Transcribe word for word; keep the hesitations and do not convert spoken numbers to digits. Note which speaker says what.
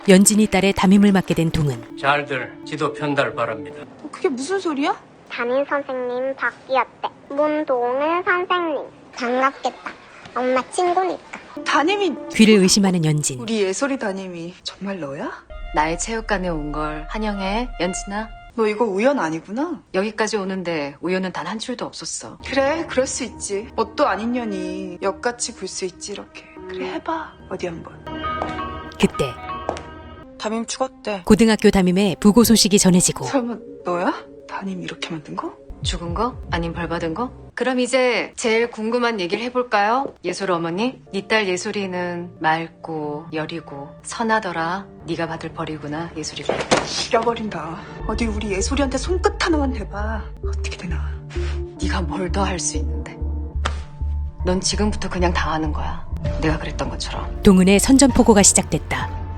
Speaker 1: 연진이 딸의 담임을 맡게 된 동은
Speaker 2: 잘들 지도 편달 바랍니다.
Speaker 3: 그게 무슨 소리야?
Speaker 4: 담임 선생님 바뀌었대. 문동은 선생님. 반갑겠다. 엄마 친구니까.
Speaker 3: 담임이
Speaker 1: 귀를 의심하는 연진.
Speaker 3: 우리 예솔이 담임이 정말 너야?
Speaker 5: 나의 체육관에 온 걸 환영해, 연진아.
Speaker 3: 너 이거 우연 아니구나.
Speaker 5: 여기까지 오는데 우연은 단 한 줄도 없었어.
Speaker 3: 그래, 그럴 수 있지. 뭣도 아닌 년이 역같이 굴 수 있지 이렇게. 그래, 해봐. 어디 한번.
Speaker 1: 그때
Speaker 3: 담임 죽었대.
Speaker 1: 고등학교 담임의 부고 소식이 전해지고
Speaker 3: 설마 너야? 담임 이렇게 만든 거?
Speaker 5: 죽은 거? 아님 벌 받은 거? 그럼 이제 제일 궁금한 얘기를 해볼까요? 예솔 어머니? 네 딸 예솔이는 맑고 여리고 선하더라. 네가 받을 벌이구나, 예솔이가.
Speaker 3: 죽여버린다. 어디 우리 예솔이한테 손끝 하나만 대봐. 어떻게 되나.
Speaker 5: 네가 뭘 더 할 수 있는데. 넌 지금부터 그냥 당하는 거야. 내가 그랬던 것처럼.
Speaker 1: 동은의 선전포고가 시작됐다.